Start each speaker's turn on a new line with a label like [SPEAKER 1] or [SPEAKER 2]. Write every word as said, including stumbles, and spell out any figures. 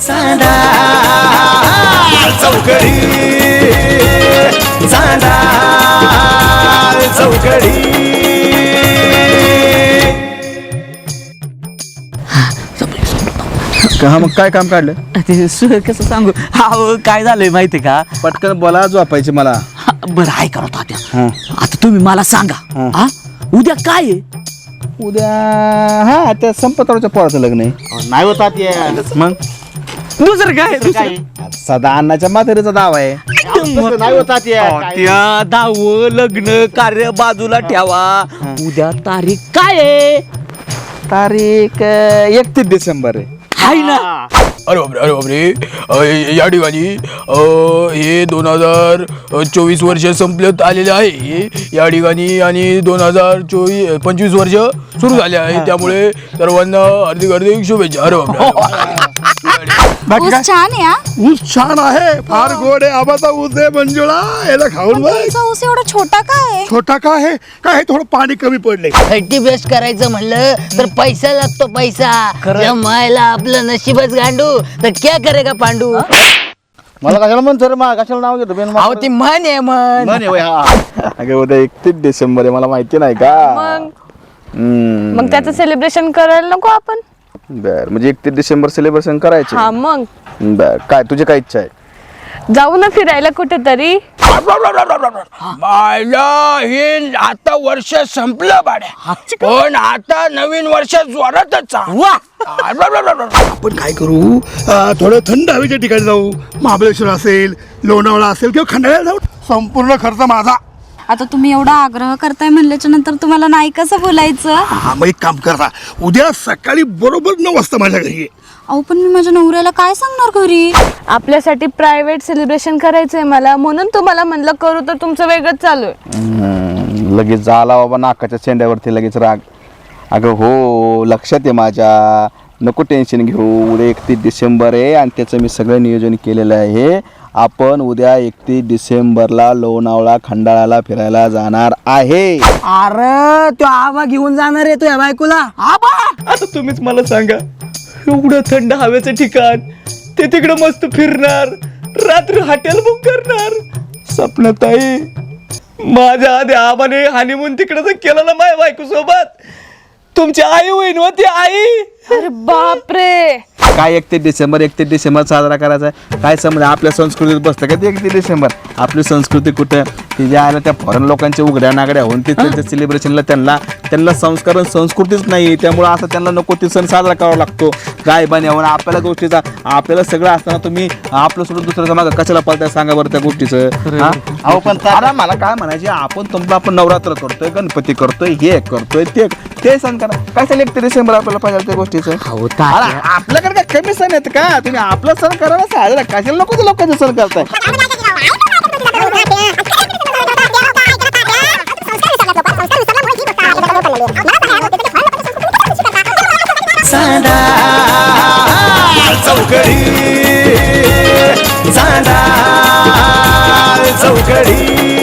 [SPEAKER 1] चांदा चौकडी चांदा चौकडी.
[SPEAKER 2] हा मग काय काम काढलं?
[SPEAKER 3] ते सु- कसं सांगू हा काय झालंय माहिती का?
[SPEAKER 2] पटकन बोला झोपायची मला.
[SPEAKER 3] हा, बरं आहे करा तात्या.
[SPEAKER 2] हा.
[SPEAKER 3] आता तुम्ही मला सांगा
[SPEAKER 2] हा.
[SPEAKER 3] हा उद्या काय आहे?
[SPEAKER 2] उद्या हा त्या संपतरावच्या पोराचं लग्न आहे.
[SPEAKER 4] नाही होतात
[SPEAKER 2] मग
[SPEAKER 3] दुसरं काय दुसरं
[SPEAKER 2] सदा अण्णाच्या म्हातारीचा दावा आहे.
[SPEAKER 4] नाही होतात
[SPEAKER 3] त्या दाव लग्न कार्य बाजूला ठेवा. उद्या तारीख काय आहे?
[SPEAKER 2] तारीख एकतीस डिसेंबर आहे.
[SPEAKER 3] हाय ना?
[SPEAKER 5] अरे बापरे अरे बापरे अ, या ठिकाणी अ, हे दोन हजार चोवीस वर्ष संपल्यात आलेले आहे या ठिकाणी आणि दोन हजार चोवीस पंचवीस वर्ष सुरू झाले आहे त्यामुळे सर्वांना हार्दिक हार्दिक शुभेच्छा. अरे बापरे
[SPEAKER 6] ऊस छान आहे हा.
[SPEAKER 7] ऊस छान आहे, फार गोड आहे. आबाचा ऊस आहे मंजुळा, याला खाऊन बघ.
[SPEAKER 6] तुमचा ऊस एवढा छोटा काय आहे?
[SPEAKER 7] छोटा का आहे काय आहे, थोडं पाणी कमी पडले.
[SPEAKER 8] थर्टी बेस्ट करायचं म्हणलं तर पैसा लागतो पैसा. जमायला आपलं नशीबच गांडू तर क्या करेगा पांडू.
[SPEAKER 4] मला कशाला म्हणतो रे मा कशाला नाव घेतो बेन
[SPEAKER 8] अहो ती म्हण आहे म्हण.
[SPEAKER 4] म्हणे होय, हा.
[SPEAKER 2] अगं उद्या एकतीस डिसेंबर आहे, मला माहिती नाही का?
[SPEAKER 9] मग
[SPEAKER 2] हम्म.
[SPEAKER 9] मग त्याचं सेलिब्रेशन करायला नको आपण?
[SPEAKER 2] बर म्हणजे एकतीस डिसेंबर सेलिब्रेशन करायचे.
[SPEAKER 9] हा मग
[SPEAKER 2] बर काय तुझी काय इच्छा आहे?
[SPEAKER 9] जाऊ ना फिरायला कुठेतरी.
[SPEAKER 5] मायला हे आता वर्ष संपलं बाड्या पण आता नवीन वर्ष जोरातच आहे.
[SPEAKER 7] आपण काय करू, अं, थोडं थंड हवेच्या ठिकाणी जाऊ. महाबळेश्वर असेल, लोणावळा असेल किंवा खंडाळ्याला जाऊ. संपूर्ण खर्च माझा.
[SPEAKER 6] आता तुम्ही एवढा आग्रह करताय म्हणल्याच्या नंतर तुम्हाला नाही कसं बोलायचं?
[SPEAKER 7] हा मग एक काम करा, उद्या सकाळी बरोबर नऊ वाजता माझ्या घरी ये.
[SPEAKER 6] अहो पण मी माझ्या नवऱ्याला काय सांगणार घरी?
[SPEAKER 9] आपल्यासाठी प्रायव्हेट सेलिब्रेशन करायचंय मला, म्हणून तुम्हाला म्हणलं करू तर तुमचं वेगळंच चालू आहे.
[SPEAKER 2] हम्म, लगेच झाला बाबा नाकाच्या शेंड्यावरती लगेच राग. अगं हो लक्षात आहे माझ्या, नको टेन्शन घेऊ. उद्या एकतीस डिसेंबर आहे आणि त्याचं मी सगळं नियोजन केलेलं आहे. आपण उद्या एकतीस डिसेंबरला लोणावळा खंडाळ्याला फिरायला जाणार आहे.
[SPEAKER 8] अरे तो आबा घेऊन जाणार आहे तुझ्या बायकोला.
[SPEAKER 3] आबा आता तुम्हीच मला सांगा, एवढं थंड हवेचं ठिकाण, ते तिकडं मस्त फिरणार, रात्री हॉटेल बुक करणार. सपनाताई माझ्या आधी आबाने हनीमून तिकडं केलं ना माझ्या बायको सोबत. तुमची आई होईन होती आई.
[SPEAKER 9] अरे बापरे,
[SPEAKER 2] काय एकतीस डिसेंबर एकतीस डिसेंबर साजरा करायचा आहे? काय समजा आपल्या संस्कृतीत बसतं का ते एकतीस डिसेंबर? आपली संस्कृती कुठं ती जे आहे ना त्या फॉरेन लोकांच्या उघड्या नागड्या होऊन ते त्यांच्या सेलिब्रेशनला त्यांना त्यांना संस्कार आणि संस्कृतीच नाही, त्यामुळं असं त्यांना नको ते सण साजरा करावा लागतो. काय बनवून आपल्याला गोष्टीचा आपल्याला सगळं असताना तुम्ही आपलं सोडून दुसऱ्याचं मागं कशाला पाळताय सांगा बरं त्या गोष्टीचं. हा अहो पण अरे मला काय म्हणायचे, आपण तुमचं आपण नवरात्र करतोय, गणपती करतोय, हे करतोय ते ते सण करा. काय चालेल एकतीस डिसेंबर आपल्याला पाहिजे त्या गोष्टीचं? अरे आपल्याकडे काय कमी सण आहेत का? तुम्ही आपला सण करा ना साजरा, कशाला नको ते लोकांचे सण करताय?
[SPEAKER 1] चांदा चौकडी चांदा चौकडी.